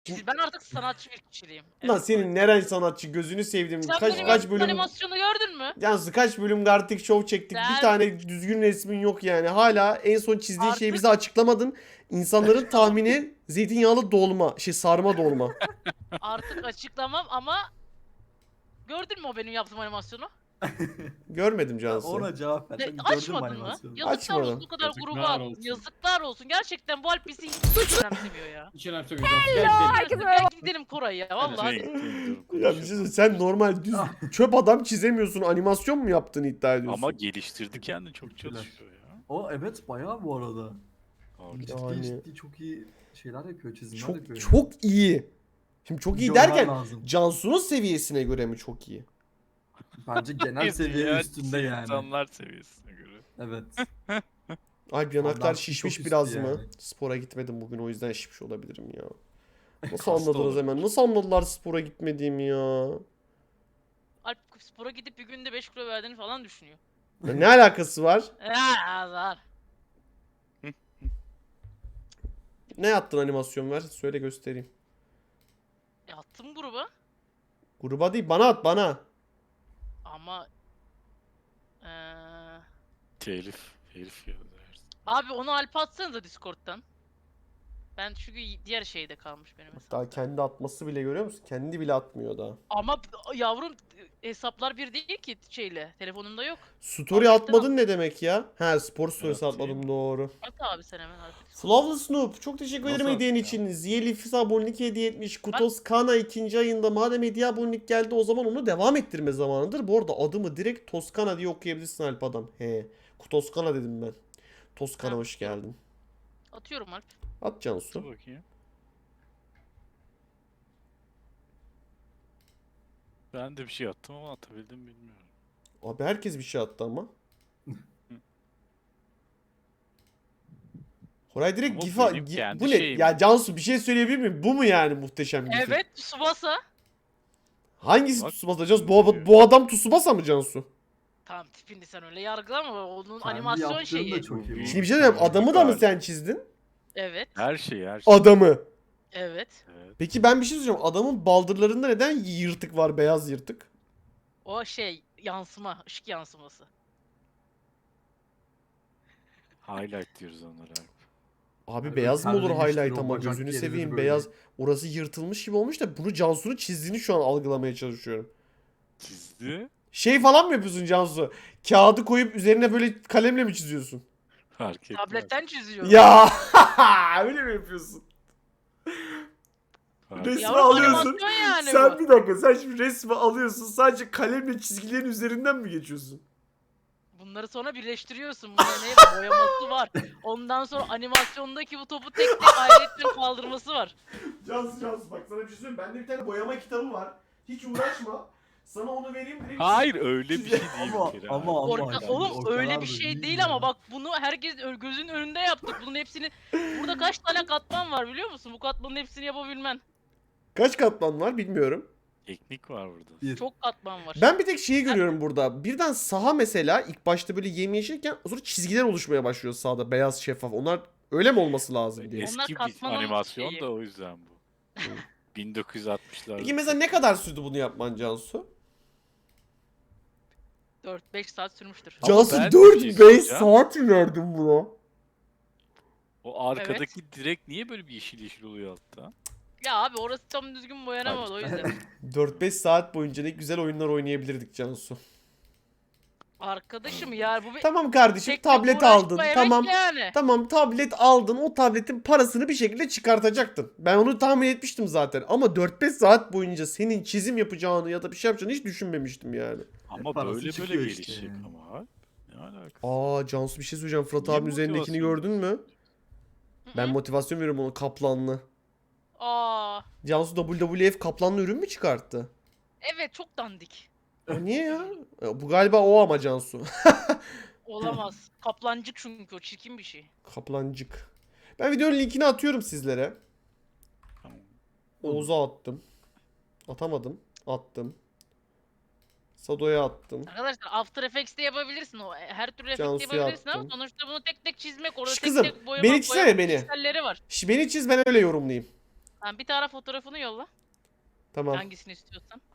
Ben artık sanatçı bir kişiliğim. Lan senin neren sanatçı, gözünü sevdim. Sen Kaç benim bölüm animasyonu gördün mü? Yalnız kaç bölüm Gartic Show çektik. Bir Sen tane düzgün resmin yok yani. Hala en son çizdiğin şeyi bize artık açıklamadın. İnsanların tahmini zeytinyağlı dolma, sarma dolma. artık açıklamam ama gördün mü o benim yaptığım animasyonu? Görmedim Ya Cansu. ona cevap ver. Ne, Sen gördün mü açmadın mı? animasyonu? Yazıklar olsun Açmadım. o kadar Yazıklar gruba attın. olsun. Yazıklar olsun. Gerçekten bu Alp bizi hiç önemsemiyor ya. Hiç önemsemiyorum. Gel gidelim. Herkese gel gidelim Koray ya vallahi. Ya bir şey söyleyeyim, sen normal düz çöp adam çizemiyorsun. Animasyon mu yaptığını iddia ediyorsun? Ama geliştirdi kendini, çok çalışıyor ya. O evet bayağı bu arada. Abi, Yani- Ciddi çok iyi şeyler yapıyor, çizimler çok yapıyor. çok iyi. Şimdi çok iyi Görmen derken lazım. Cansu'nun seviyesine göre mi çok iyi? Bence genel seviye diğer üstünde yani. İnsanlar seviyesine göre. Evet. Alp yanaklar Ondan şişmiş çok biraz üstü mı? yani. Spora gitmedim bugün, o yüzden şişmiş olabilirim ya. Nasıl Hasta anladınız olabilir. hemen? Nasıl anladılar spora gitmediğimi ya? Alp spora gidip bir günde 5 kilo verdiğini falan düşünüyor. Ya ne alakası var? Azar. Ne yaptın, animasyon ver. Söyle göstereyim. Attım gruba Gruba değil, bana at, bana. ama Telif ya. abi onu Alp'e atsanıza Discord'dan. Ben çünkü diğer şeyde kalmış benim hesap. Daha kendi atması bile, görüyor musun? Kendi bile atmıyor daha. Ama yavrum hesaplar bir değil ki şeyle. Telefonumda yok. Story Abi, atmadın ne demek ya? He, spor story'si Evet, atmadım, iyi. doğru. At abi sen hemen artık. Flawless Noob, çok teşekkür ederim Nasıl hediyen ya? için. Ziyelifis abonelik hediye etmiş. Kutos Kana 2. ayında. Madem hediye abonelik geldi, o zaman onu devam ettirme zamanıdır. Bu arada adımı direkt Toskana diye okuyabilirsin Alp adam. He. Kutoskana dedim ben. Toskana, Ha. hoş geldin. Atıyorum Alp. At Cansu. Dur bakayım. Ben de bir şey attım ama atabildim bilmiyorum. Abi herkes bir şey attı ama. Koray direkt Ama gifa... benim kendi Bu ne? şeyim. Ya Cansu, bir şey söyleyebilir miyim? Bu mu yani muhteşem gifin? Evet Tsubasa. Hangisi Bak, Tsubasa Cansu? Bu adam Tsubasa mı Cansu? Tamam tipini sen öyle yargılama. Onun Kendi animasyon yaptığın şeyi. da çok iyi. bu Şimdi arada. bir şey diyeyim. Adamı da mı Galiba. sen çizdin? Evet. Her şey. Adamı. Evet. Evet. Peki ben bir şey söyleyeceğim. Adamın baldırlarında neden yırtık var? Beyaz yırtık. O şey yansıma, ışık yansıması. Highlight diyoruz onlara. Abi Yani beyaz mı olur terlemiştir, highlight o ama, bacak gözünü yeridir seveyim, böyle. beyaz. Orası yırtılmış gibi olmuş da bunu Cansu'nun çizdiğini şu an algılamaya çalışıyorum. Çizdi. Şey falan mı yapıyorsun Cansu? Kağıdı koyup üzerine böyle kalemle mi çiziyorsun? Fark etmez. Tabletten çiziyorum. Ya öyle mi yapıyorsun? Fark Resmi Yavrum alıyorsun. animasyon yani Sen bu. bir dakika, sen şimdi resmi alıyorsun, sadece kalemle çizgilerin üzerinden mi geçiyorsun? Bunları sonra birleştiriyorsun. Bunların hep boyaması var. Ondan sonra animasyondaki bu topu tek tek ayrıca kaldırması var. Cansu bak, sana bir şey söyleyeyim. Bende bir tane boyama kitabı var. Hiç uğraşma. Sana onu vereyim direkt. Hayır, öyle bir şey değil. Ama- bir kere ama- abi. Orka, yani oğlum o öyle kadar bir da şey değil değil ya. ama bak bunu herkes gözünün önünde yaptık. Bunun hepsini burada kaç tane katman var biliyor musun? Bu katmanın hepsini yapabilmen. Kaç katman var bilmiyorum. Teknik var burada. Bir. Çok katman var. Ben bir tek şeyi görüyorum burada. Birden saha mesela ilk başta böyle yemyeşilken sonra çizgiler oluşmaya başlıyor sahada, beyaz şeffaf. Onlar öyle mi olması lazım diye. Onlar Eski bir katman animasyon şeyi. da o yüzden bu. 1960'larda. Peki mesela ne kadar sürdü bunu yapman Cansu? 4-5 saat sürmüştür. Ama Cansu ben bir şey 4-5 söyleyeceğim. saat mi verdin buna? O arkadaki direkt niye böyle bir yeşil yeşil oluyor altta? Ya abi orası tam düzgün boyanamadı o yüzden. 4-5 saat boyunca ne güzel oyunlar oynayabilirdik Cansu. Arkadaşım ya bu bir Tamam kardeşim, tek tek tablet uğraşma aldın. emek Tamam. yani. Tamam, tablet aldın. O tabletin parasını bir şekilde çıkartacaktın. Ben onu tahmin etmiştim zaten. Ama 4-5 saat boyunca senin çizim yapacağını ya da bir şey yapacağını hiç düşünmemiştim yani. Ama parası böyle çıkıyor işte gelişecek yani. ama abi. Ne alakası? Aa Cansu, bir şey söyleyeceğim. Fırat Niye abinin üzerindekini motivasyon gördün mü? Ben motivasyon veriyorum ona, kaplanlı. Aa, Cansu WWF kaplanlı ürün mü çıkarttı? evet çok dandik. O niye ya? Bu galiba o ama Cansu. Olamaz. Kaplancık çünkü o çirkin bir şey. Kaplancık. Ben videonun linkini atıyorum sizlere. Tamam. Oğuz'a attım. Atamadım. Attım. Sado'ya attım. Arkadaşlar After Effects'te yapabilirsin o. Her türlü efekt Cansu'ya yapabilirsin ama attım. sonuçta bunu tek tek çizmek orada Şş tek kızım, tek boyamak beni çizsene, beni. pikselleri var. Beni çiz, ben öyle yorumlayayım. Tamam, bir tane fotoğrafını yolla. Tamam. Hangisini istiyorsan.